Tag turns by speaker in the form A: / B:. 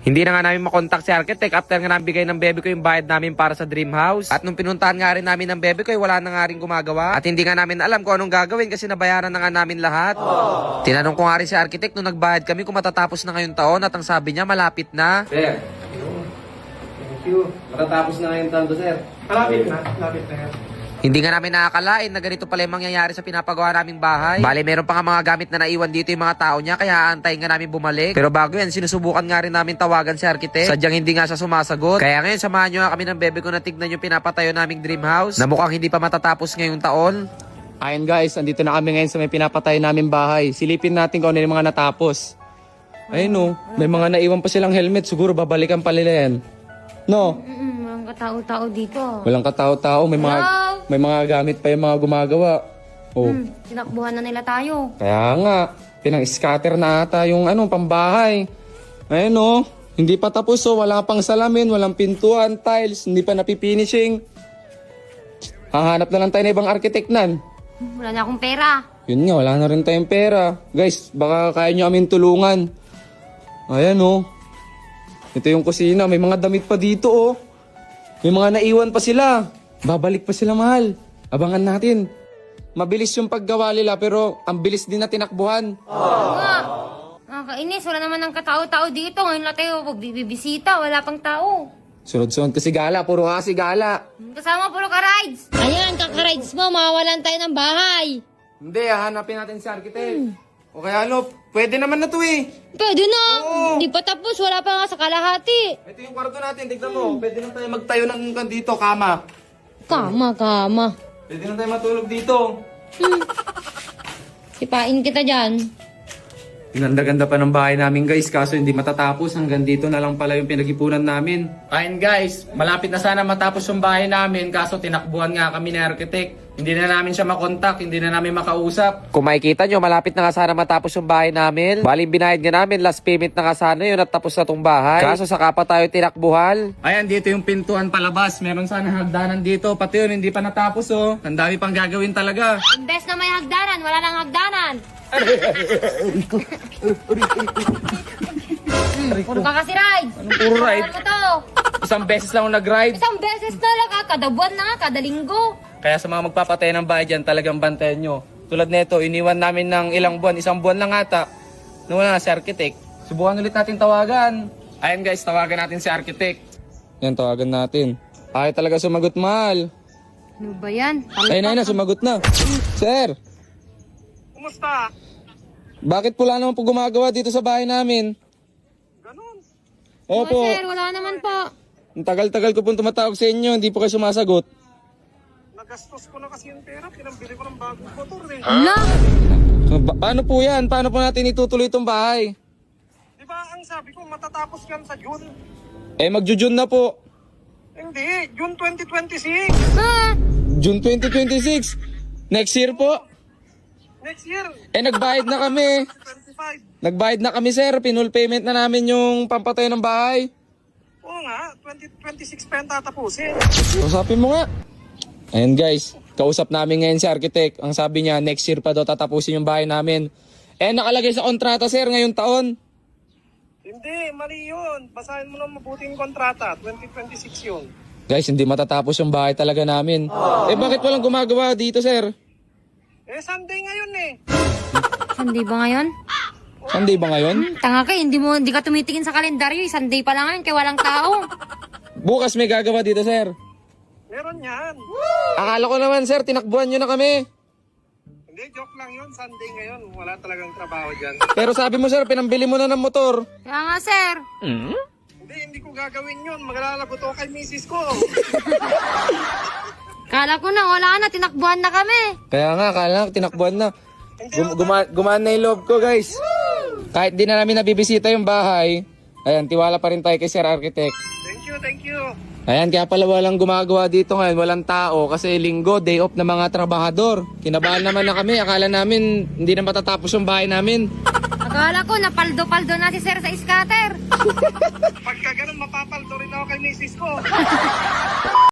A: Hindi na nga namin makontak si architect after nga namin bigay ng bebe ko yung bayad namin para sa dream house. At nung pinuntahan nga rin namin ng bebe ko, wala na nga rin gumagawa. At hindi nga namin alam kung anong gagawin kasi nabayaran na nga namin lahat. Tinanong ko nga rin si architect nung nagbayad kami kung matatapos na ngayong taon at ang sabi niya malapit na.
B: Sir, thank you. Matatapos na ngayong taon to, sir.
C: Malapit na yan.
A: Hindi nga namin nakakalain na ganito pala yung mangyayari sa pinapagawa naming bahay. Bale, meron pa nga mga gamit na naiwan dito yung mga tao niya, kaya aantayin nga namin bumalik. Pero bago yan, sinusubukan nga rin namin tawagan si architect. Sadyang hindi nga siya sumasagot. Kaya ngayon, samahan nyo nga kami ng bebe ko na tignan yung pinapatayo naming dream house na mukhang hindi pa matatapos ngayong taon.
C: Ayun guys, andito na kami ngayon sa may pinapatay namin bahay. Silipin natin kung ano yung mga natapos. Ayun may mga naiwan pa silang helmet. Siguro babalikan pa nila yan. No?
D: Walang katao-tao dito.
C: Walang katao-tao. May mga gamit pa yung mga gumagawa. Oh.
D: Tinakbuhan na nila tayo.
C: Kaya nga, pinang-scatter na ata yung pambahay. Ayun hindi pa tapos wala pang salamin, walang pintuan, tiles, hindi pa napifinishing. Hahanap na lang tayo ng ibang architect nan.
D: Wala na akong pera.
C: Yun nga, wala na rin tayong pera. Guys, baka kaya nyo amin tulungan. Ayan ito yung kusina, may mga damit pa dito May mga naiwan pa sila. Babalik pa sila, mahal. Abangan natin. Mabilis yung paggawa nila pero ang bilis din na tinakbuhan.
D: Nakakainis, wala naman ng katao-tao dito. Ngayon lang tayo bibisita, wala pang tao.
C: Sunod-sunod kasi gala, puro kasi gala.
D: Kasama puro ka-rides. Ayan, kaka-rides mo, mawawalan tayo ng bahay.
C: Hindi, hahanapin natin si architect. O kaya pwede naman na to
D: Pwede na. Hindi pa tapos, wala pa nga sa kalahati.
C: Ito yung kwarto natin, tignan mo. Pwede na tayo magtayo ng dito, kama.
D: Kama.
C: Pwede na tayo matulog dito.
D: Sipain kita dyan.
C: Ganda-ganda pa ng bahay namin guys, kaso hindi matatapos. Hanggang dito na lang pala yung pinag-ipunan namin. Ayun guys, malapit na sana matapos yung bahay namin, kaso tinakbuhan nga kami ni architect. Hindi na namin siya makontak, hindi na namin makausap.
A: Kung makikita nyo, malapit na nga sana matapos yung bahay namin. Baling binayad nga namin, last payment na nga sana yun at tapos na tong bahay. Kaso saka pa tayo tinakbuhan.
C: Ayan, dito yung pintuan palabas. Meron sana hagdanan dito. Pati yun, hindi pa natapos Ang dami pang gagawin talaga.
D: Imbes na may hagdanan, wala nang hagdanan. Puro ka kasi rides.
C: Anong puro ride?
D: Ano to?
C: Isang beses lang ako nag-ride.
D: Isang beses na lang, kada buwan na nga, kada linggo.
C: Kaya sa mga magpapatay ng bahay dyan, talagang bantayan nyo. Tulad nito, iniwan namin ng ilang buwan, isang buwan lang ata. Nawala na si architect. Subukan ulit natin tawagan. Ayan guys, tawagan natin si architect. Yan, tawagan natin. Ay talaga sumagot, mahal.
D: Ano ba yan?
C: Ayun na, sumagot na. Sir,
E: Kumusta?
C: bakit pula naman po gumagawa dito sa bahay namin?
E: Ganun.
C: Opo,
D: Sir, wala naman po.
C: ang tagal-tagal ko pong tumatawag sa inyo, hindi po kayo sumasagot.
E: Nagastos ko na kasi yung pera. Pinambili ko ng bagong motor
D: Hala?
C: So, paano po yan? Paano po natin itutuloy itong bahay?
E: Di ba ang sabi ko matatapos yan sa June?
C: Magjo-June na po.
E: Hindi, June 2026.
D: Ha?
C: June 2026. Next year po.
E: Next year,
C: Nagbayad na kami.
E: 25.
C: Nagbayad na kami, sir. Pinul payment na namin yung pampatay ng bahay.
E: Oo nga, 2026 pa yan tatapusin.
C: Usapin mo nga. Ayan guys, kausap namin ngayon si architect. Ang sabi niya, next year pa daw tatapusin yung bahay namin. Nakalagay sa kontrata, sir, ngayong taon.
E: Hindi, mali yun. Basahin mo na mabuting kontrata. 2026 yun.
C: Guys, hindi matatapos yung bahay talaga namin. Bakit walang gumagawa dito, sir?
E: Sunday ngayon
D: Sunday ba ngayon?
C: Sunday ba ngayon?
D: Tanga ka, hindi ka tumitingin sa kalendaryo. Sunday pa lang ngayon, kaya walang tao.
C: Bukas may gagawa dito, sir.
E: Meron yan.
C: Akala ko naman, sir, tinakbuhan nyo na kami.
E: Hindi, joke lang yun. Sunday ngayon. Wala talagang trabaho dyan.
C: Pero sabi mo, sir, pinambili mo na ng motor.
D: Kaya nga, sir.
E: Hindi ko gagawin yun. Maglalagot ako kay misis ko.
D: Kala ko na, wala na, tinakbuhan na kami.
C: Kaya nga, akala ko tinakbuhan na. Gumaan na yung loob ko, guys. Kahit di na namin nabibisita yung bahay, ayan, tiwala pa rin tayo kay Sir Architect.
E: Thank you.
C: Ayan, kaya pala walang gumagawa dito ngayon, walang tao, kasi linggo, day off ng mga trabahador. Kinabahan naman na kami, akala namin hindi na matatapos yung bahay namin.
D: Akala ko, napaldo-paldo na si sir sa scatter.
E: Pagka ganun, mapapaldo rin ako kay misis ko.